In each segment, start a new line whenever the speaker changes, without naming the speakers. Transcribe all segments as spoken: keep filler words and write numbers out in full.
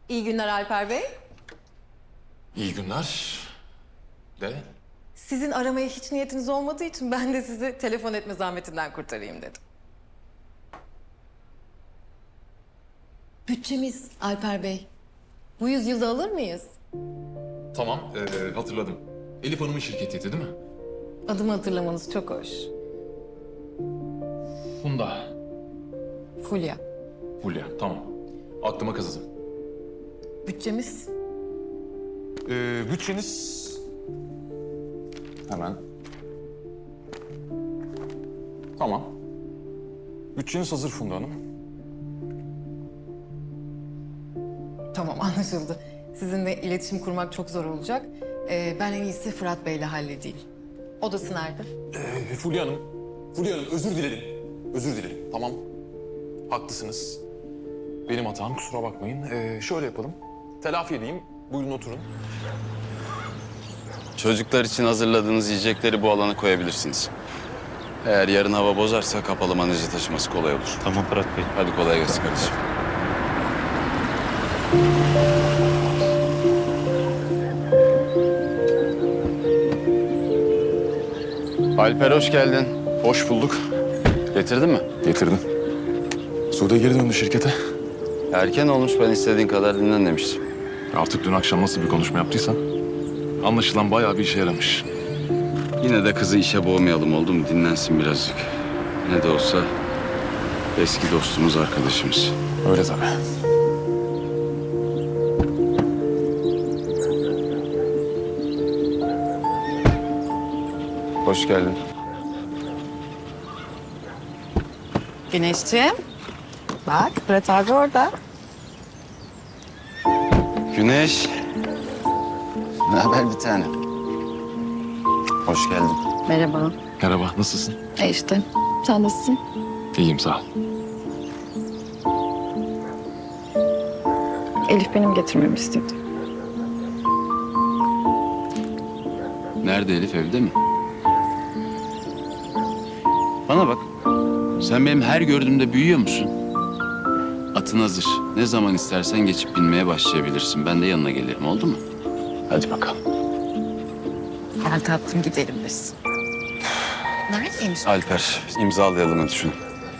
İyi günler Alper Bey.
İyi günler. De.
Sizin aramaya hiç niyetiniz olmadığı için ben de sizi telefon etme zahmetinden kurtarayım dedim. Bütçemiz Alper Bey. Bu yüzyılda alır mıyız?
Tamam, ee, hatırladım. Elif Hanım'ın şirketiydi değil mi?
Adımı hatırlamanız çok hoş.
Funda.
Fulya.
Fulya, tamam. Aklıma kazıdım.
Bütçemiz?
Ee, bütçeniz... Hemen. Tamam. Bütçeniz hazır Funda Hanım.
Tamam, anlaşıldı. Sizinle iletişim kurmak çok zor olacak. Ee, ben en iyisi Fırat Bey'le halledeyim. Odası nerede?
Ee, Fulya Hanım, Fulya Hanım özür dilerim. Özür dilerim, tamam. Haklısınız. Benim hatam, kusura bakmayın. Ee, şöyle yapalım. Telafi edeyim, buyurun oturun.
Çocuklar için hazırladığınız yiyecekleri bu alana koyabilirsiniz. Eğer yarın hava bozarsa kapalı manajı taşıması kolay olur.
Tamam Fırat Bey.
Hadi kolay gelsin kardeşim. Alper hoş geldin.
Hoş bulduk.
Getirdin mi?
Getirdim. Sude geri döndü şirkete.
Erken olmuş, ben istediğin kadar dinlen demiştim.
Artık dün akşam nasıl bir konuşma yaptıysan... ...anlaşılan bayağı bir işe yaramış.
Yine de kızı işe boğmayalım, oldu mu? Dinlensin birazcık. Ne de olsa eski dostumuz, arkadaşımız.
Öyle tabii.
Hoş geldin.
Güneşciğim. Bak Fırat abi orada.
Güneş. Ne haber bir tane? Hoş geldin.
Merhaba.
Merhaba, nasılsın?
E işte. Sen nasılsın?
İyiyim, sağ ol.
Elif benim getirmemi istedi.
Nerede Elif, evde mi? Bana bak. Sen benim her gördüğümde büyüyor musun? Atın hazır. Ne zaman istersen geçip binmeye başlayabilirsin. Ben de yanına gelirim, oldu mu? Hadi bakalım.
Gel tatlım gidelim biz. Neredeymiş?
Alper, imzalayalım hadi şunu.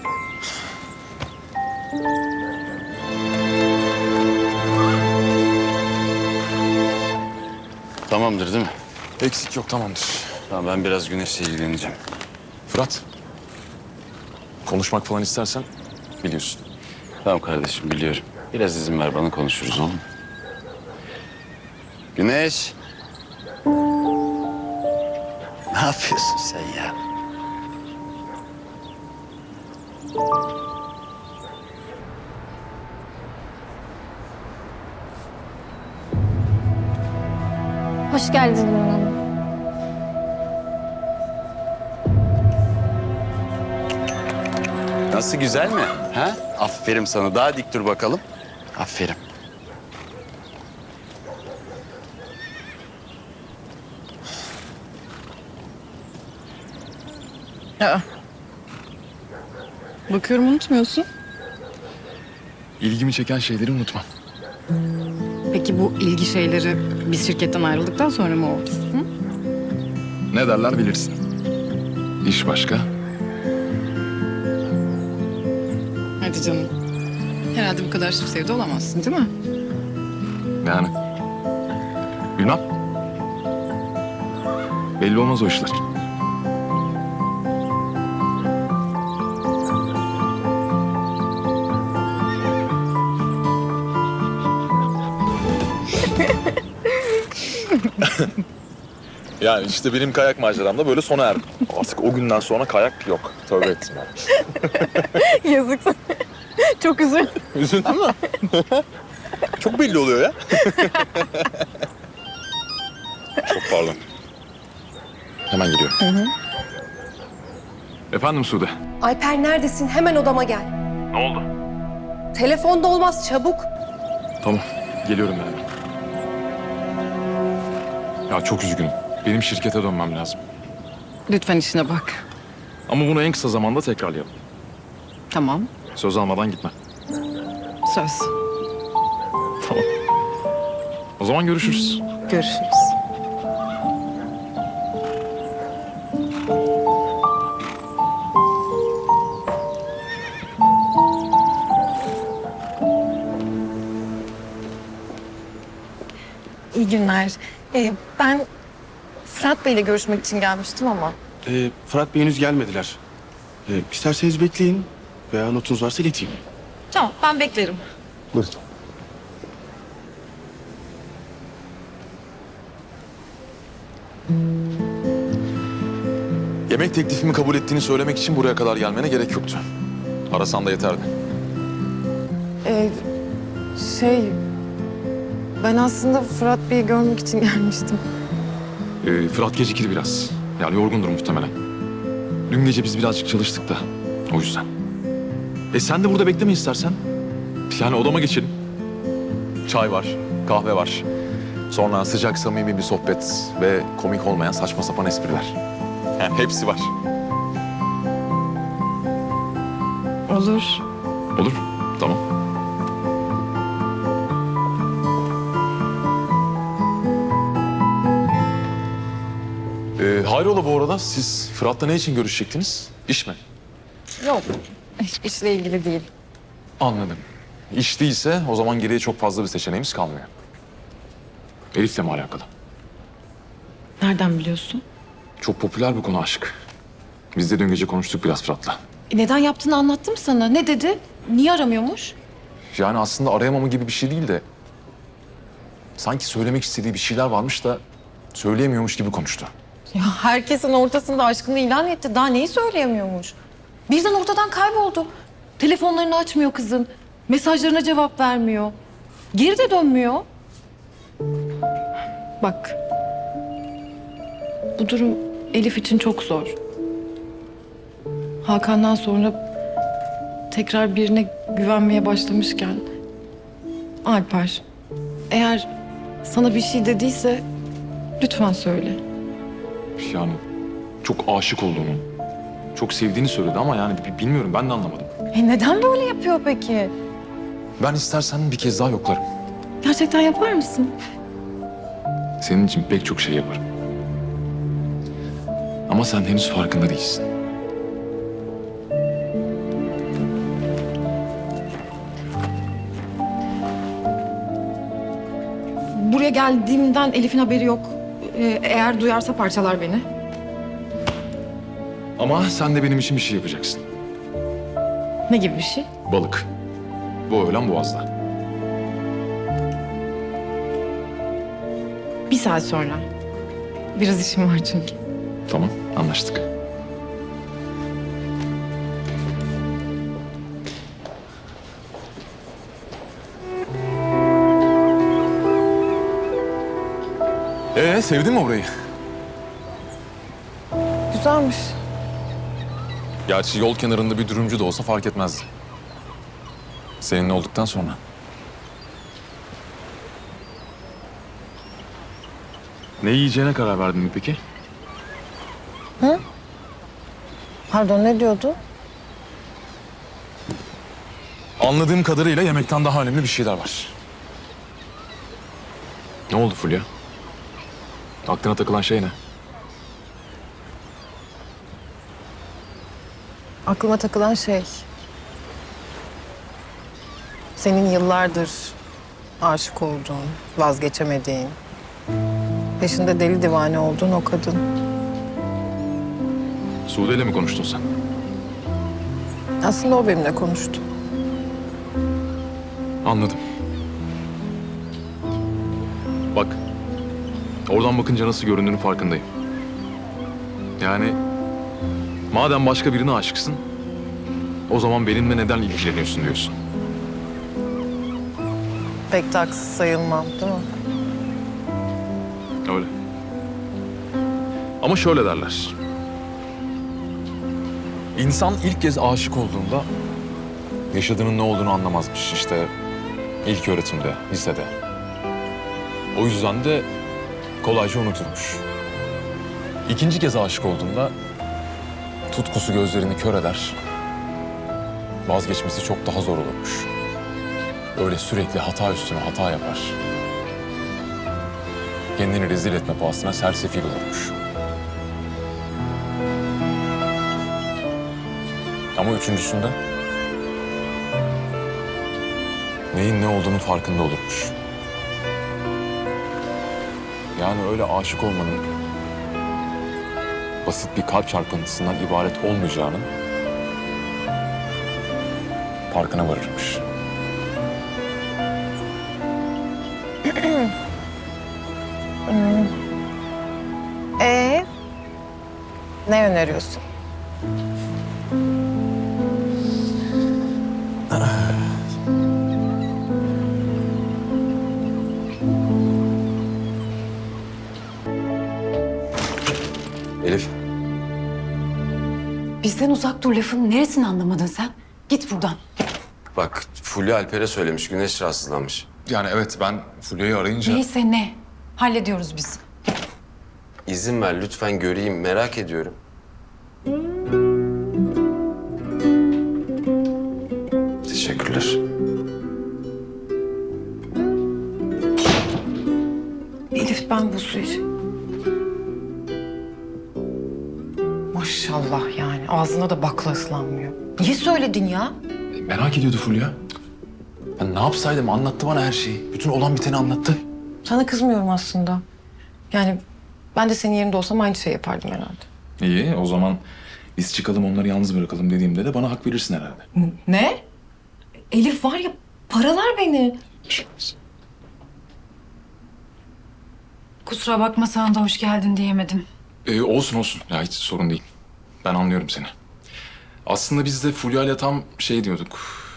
Tamamdır değil mi?
Eksik yok, tamamdır.
Tamam, ben biraz Güneş'le ilgileneceğim.
Fırat, konuşmak falan istersen biliyorsun.
Tamam kardeşim, biliyorum. Biraz izin ver bana, konuşuruz, olur mu? Güneş. Ne yapıyorsun sen ya?
Hoş geldin Nurhan Hanım.
Nasıl, güzel mi? Ha? Aferin sana. Daha dik dur bakalım. Aferin.
Aa. Bakıyorum unutmuyorsun.
İlgimi çeken şeyleri unutmam.
Peki bu ilgi şeyleri biz şirketten ayrıldıktan sonra mı oldu? Hı?
Ne derler bilirsin. İş başka.
Hadi canım. Herhalde bu kadar şıp sevdi olamazsın değil mi?
Yani. Bilmem. Belli olmaz o işler. Yani işte benim kayak maceram da böyle sona erdi. Artık o günden sonra kayak yok. Tövbe ettim ben.
Yazık sana. Çok üzül.
Üzüldün mü? Çok belli oluyor ya. Çok pardon. Hemen geliyorum. Hı hı. Efendim Sude.
Alper neredesin? Hemen odama gel.
Ne oldu?
Telefonda olmaz, çabuk.
Tamam, geliyorum ben hemen. Ya çok üzgünüm. Benim şirkete dönmem lazım.
Lütfen işine bak.
Ama bunu en kısa zamanda tekrarlayalım.
Tamam.
Söz almadan gitme.
Söz.
Tamam. O zaman görüşürüz.
Görüşürüz. İyi günler. Ee, ben Fırat Bey'le görüşmek için gelmiştim ama.
Ee, Fırat Bey henüz gelmediler. Ee, isterseniz bekleyin veya notunuz varsa ileteyim.
Tamam, ben beklerim.
Buyurun.
Yemek teklifimi kabul ettiğini söylemek için buraya kadar gelmene gerek yoktu. Arasan da yeterdi.
Ee, şey... Ben aslında Fırat Bey'i görmek için gelmiştim.
Ee, Fırat gecikti biraz. Yani yorgundur muhtemelen. Dün gece biz birazcık çalıştık da. O yüzden. E sen de burada bekleme istersen. Yani odama geçelim. Çay var, kahve var. Sonra sıcak samimi bir sohbet ve komik olmayan saçma sapan espriler. Yani hepsi var.
Olur.
Olur. Tamam. Ee, hayrola bu arada siz Fırat'la ne için görüşecektiniz? İş mi?
Yok, işle ilgili değil.
Anladım. İş değilse o zaman geriye çok fazla bir seçeneğimiz kalmıyor. Elif'le mi alakalı?
Nereden biliyorsun?
Çok popüler bir konu aşk. Biz de dün gece konuştuk biraz Fırat'la.
E, neden yaptığını anlattım sana. Ne dedi? Niye aramıyormuş?
Yani aslında arayamama gibi bir şey değil de... sanki söylemek istediği bir şeyler varmış da söyleyemiyormuş gibi konuştu.
Ya herkesin ortasında aşkını ilan etti. Daha neyi söyleyemiyormuş?
Birden ortadan kayboldu. Telefonlarını açmıyor kızın. Mesajlarına cevap vermiyor. Geri de dönmüyor. Bak. Bu durum Elif için çok zor. Hakan'dan sonra tekrar birine güvenmeye başlamışken... Alper, eğer sana bir şey dediyse lütfen söyle.
Yani çok aşık olduğunu, çok sevdiğini söyledi ama yani bi- bilmiyorum ben de anlamadım.
E neden böyle yapıyor peki?
Ben istersen bir kez daha yoklarım.
Gerçekten yapar mısın?
Senin için pek çok şey yaparım. Ama sen henüz farkında değilsin.
Buraya geldiğimden Elif'in haberi yok. Ee, eğer duyarsa parçalar beni.
Ama sen de benim için bir şey yapacaksın.
Ne gibi bir şey?
Balık. Bu öğlen Boğaz'da.
Bir saat sonra. Biraz işim var çünkü.
Tamam, anlaştık. Ee, sevdin mi orayı?
Güzelmiş.
Gerçi yol kenarında bir dürümcü de olsa fark etmezdi. Seninle olduktan sonra. Ne yiyeceğine karar verdin mi peki?
Pardon, ne diyordu?
Anladığım kadarıyla yemekten daha önemli bir şeyler var. Ne oldu Fulya? Aklına takılan şey ne?
Aklıma takılan şey... senin yıllardır aşık olduğun, vazgeçemediğin... peşinde deli divane olduğun o kadın.
Sude'yle mi konuştun sen?
Aslında o benimle konuştu.
Anladım. Bak, oradan bakınca nasıl göründüğünün farkındayım. Yani madem başka birine aşıksın, o zaman benimle neden ilgileniyorsun diyorsun.
Pek de haksız sayılmam, değil mi?
Öyle. Ama şöyle derler. İnsan ilk kez aşık olduğunda yaşadığının ne olduğunu anlamazmış. İşte ilk öğretimde, lisede. O yüzden de kolayca unuturmuş. İkinci kez aşık olduğunda tutkusu gözlerini kör eder. Vazgeçmesi çok daha zor olurmuş. öyle sürekli hata üstüne hata yapar. Kendini rezil etme pahasına sersefil olurmuş. Ama üçüncüsünde neyin ne olduğunun farkında olurmuş. Yani öyle aşık olmanın basit bir kalp çarpıntısından ibaret olmayacağının farkına varırmış.
Ee, ne öneriyorsun?
Elif,
Bizden uzak dur lafın neresini anlamadın sen? Git buradan.
bak Fulya Alper'e söylemiş, Güneş rahatsızlanmış.
Yani evet, ben Fulya'yı arayınca...
Neyse ne. Hallediyoruz biz.
İzin ver lütfen göreyim, merak ediyorum. Teşekkürler.
Elif ben bu suyu... Maşallah yani ağzına da bakla ıslanmıyor. Niye söyledin ya?
Merak ediyordu Fulya. Ben ne yapsaydım, anlattı bana her şeyi. Bütün olan biteni anlattı.
Sana kızmıyorum aslında. Yani ben de senin yerinde olsam aynı şey yapardım herhalde.
İyi, o zaman biz çıkalım, onları yalnız bırakalım dediğimde de bana hak verirsin herhalde.
Ne? Elif var ya paralar beni.
Kusura bakma sana da hoş geldin diyemedim.
Ee, olsun olsun. Ya hiç sorun değil. Ben anlıyorum seni. Aslında biz de Fulya ile tam şey diyorduk.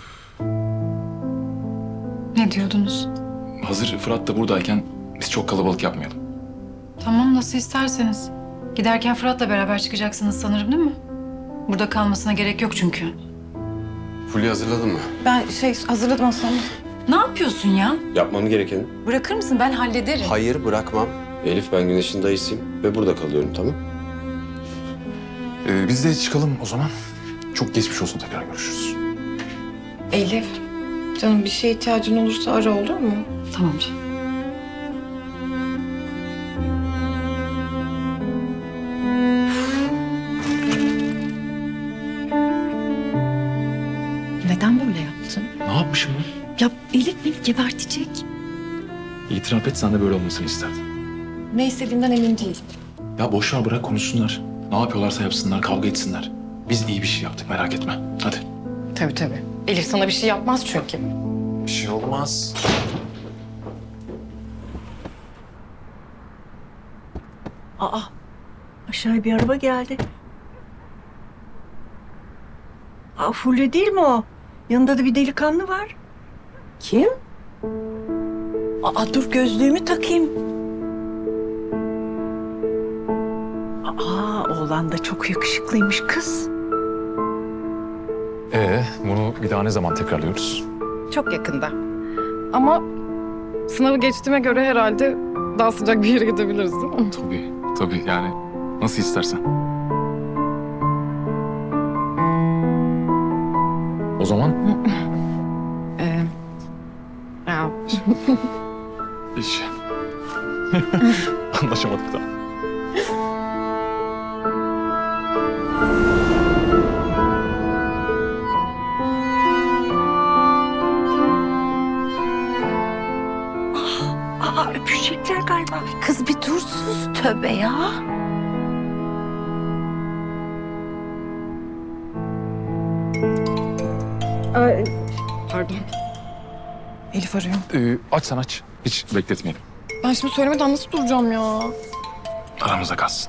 Ne diyordunuz?
Hazır Fırat da buradayken biz çok kalabalık yapmayalım.
Tamam nasıl isterseniz. Giderken Fırat'la beraber çıkacaksınız sanırım değil mi? Burada kalmasına gerek yok çünkü.
Fulya hazırladın mı?
Ben şey hazırladım aslında.
Ne yapıyorsun ya?
Yapmam gerekeni.
Bırakır mısın? Ben hallederim.
Hayır, bırakmam. Elif, ben Güneş'in dayısıyım ve burada kalıyorum, tamam?
Ee, biz de çıkalım o zaman. Çok geçmiş olsun, tekrar görüşürüz.
Elif, canım bir şeye ihtiyacın olursa ara olur mu?
Tamam canım.
Neden böyle yaptın?
Ne yapmışım ben?
Ya Elif beni gebertecek.
İtiraf et, sen de böyle olmasını isterdin.
Ne istediğimden emin değilim.
Ya boş ver, bırak konuşsunlar. Ne yapıyorlarsa yapsınlar, kavga etsinler. Biz iyi bir şey yaptık, merak etme. Hadi.
Tabii tabii. Elif sana bir şey yapmaz çünkü.
Bir şey olmaz.
Aa, aşağıya bir araba geldi. Aa, Fulya değil mi o? Yanında da bir delikanlı var. Kim? Aa, dur gözlüğümü takayım. Aa, oğlan da çok yakışıklıymış kız.
Ee, bunu bir daha ne zaman tekrarlıyoruz?
Çok yakında. Ama sınavı geçtiğime göre herhalde daha sıcak bir yere gidebiliriz değil mi?
Tabii, tabii yani nasıl istersen. O zaman
Ee, ya,
iş. Anlaşamadık da.
Aa, öpüşecekler galiba. Kız bir dur sus, tövbe ya.
pardon. Elif arıyor.
Ee, aç sen aç. Hiç bekletmeyelim.
Ben şimdi söylemeden nasıl duracağım ya?
Aramızda kalsın.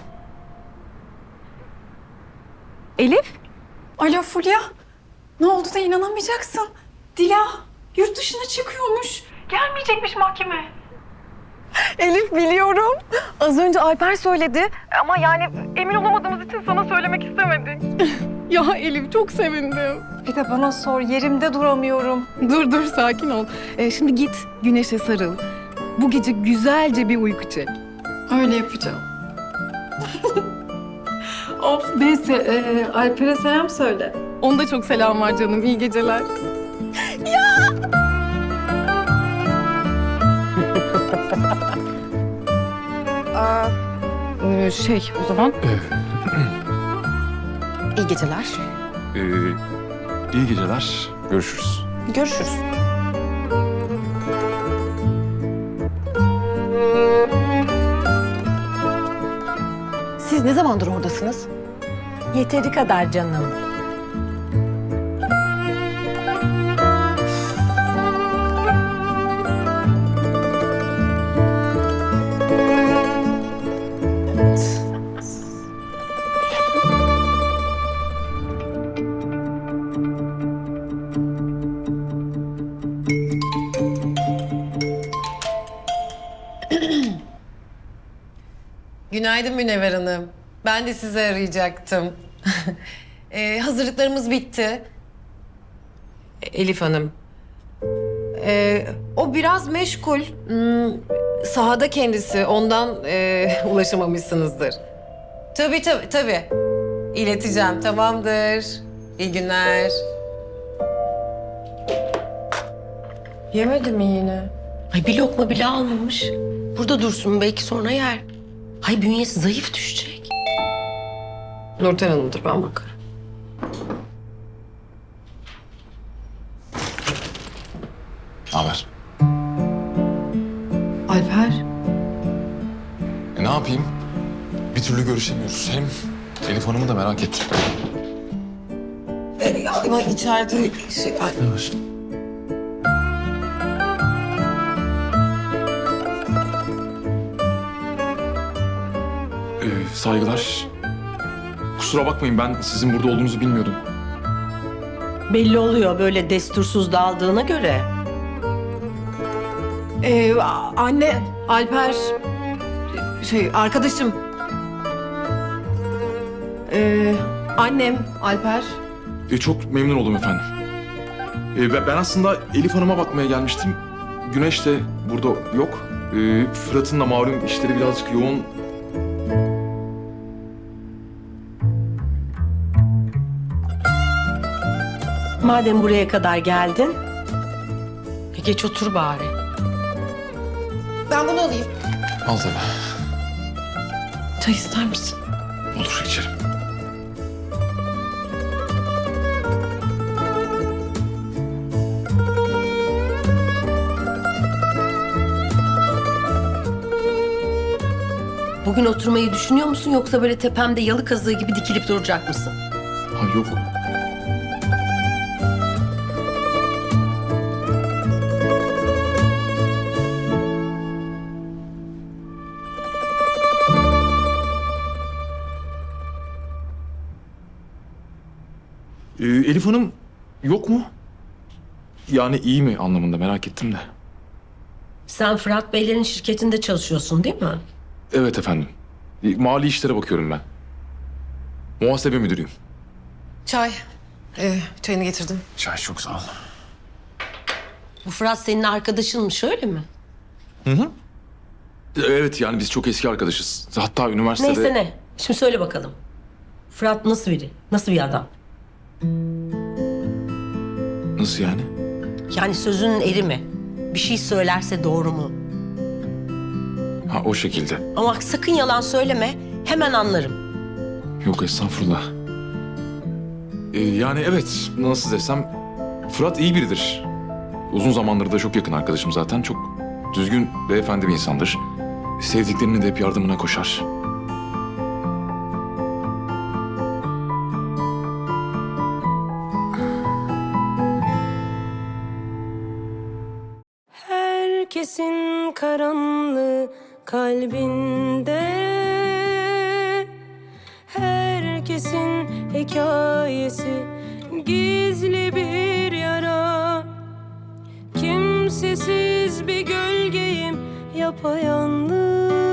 Elif? Alo Fulya. Ne oldu da inanamayacaksın. Dila yurt dışına çıkıyormuş. Gelmeyecekmiş mahkeme.
Elif biliyorum. Az önce Alper söyledi. Ama yani emin olamadığımız için sana söylemek istemedik. ya Elif çok sevindim.
Bir de bana sor, yerimde duramıyorum.
Dur dur sakin ol. Ee, şimdi git güneşe sarıl. Bu gece güzelce bir uyku çek.
Öyle yapacağım. of neyse e, Alper'e selam söyle.
Onda çok selam var canım. İyi geceler. Ya! Ee, şey o zaman. İyi geceler.
Ee, iyi geceler. Görüşürüz.
Görüşürüz. Siz ne zamandır oradasınız?
Yeteri kadar canım.
Günaydın Münevver Hanım. Ben de sizi arayacaktım. Ee, hazırlıklarımız bitti. Elif Hanım. Ee, o biraz meşgul. Hmm, sahada kendisi. Ondan e, ulaşamamışsınızdır. Tabii tabii tabii. İleteceğim. Tamamdır. İyi günler. Yemedi mi yine?
Ay bir lokma bile almamış. Burada dursun belki sonra yer. Ay bünyesi zayıf düşecek.
Nurten Hanım'dır, ben bakarım.
Ne haber?
Alper.
E, ne yapayım? Bir türlü görüşemiyoruz. Hem Elif Hanım'ı da merak ettim.
Ee, ama içeride şey... Ay,
Ne var? Ee, saygılar. Kusura bakmayın, ben sizin burada olduğunuzu bilmiyordum.
Belli oluyor böyle destursuz daldığına göre.
Ee, anne, Alper, şey arkadaşım. Ee, annem, Alper.
E, çok memnun oldum efendim. E, ben ben aslında Elif Hanım'a bakmaya gelmiştim. Güneş de burada yok. E, Fırat'ın da malum işleri birazcık yoğun.
Madem buraya kadar geldin, e geç otur bari.
Ben bunu alayım.
Al tabii.
Çay ister misin?
Olur, içerim.
Bugün oturmayı düşünüyor musun yoksa böyle tepemde yalı kazığı gibi dikilip duracak mısın?
Ha yok. Ee, Elif Hanım yok mu? Yani iyi mi anlamında merak ettim de.
Sen Fırat Beylerin şirketinde çalışıyorsun değil mi?
Evet efendim. E, Mali işlere bakıyorum ben. Muhasebe müdürüyüm.
Çay. Ee, çayını getirdim.
Çay çok sağ ol.
Bu Fırat senin arkadaşınmış öyle mi?
Hı hı. Evet yani biz çok eski arkadaşız. Hatta üniversitede...
Neyse ne. Şimdi söyle bakalım. Fırat nasıl biri? Nasıl bir adam?
Nasıl yani?
Yani sözünün eri mi? Bir şey söylerse doğru mu?
Ha o şekilde.
Ama sakın yalan söyleme. Hemen anlarım.
Yok estağfurullah. Ee, yani evet nasıl desem Fırat iyi biridir. Uzun zamandır da çok yakın arkadaşım zaten. Çok düzgün, beyefendi bir insandır. Sevdiklerinin de hep yardımına koşar.
Herkesin karanlığı kalbinde, herkesin hikayesi gizli bir yara. Kimsesiz bir gölgeyim yapayalnız.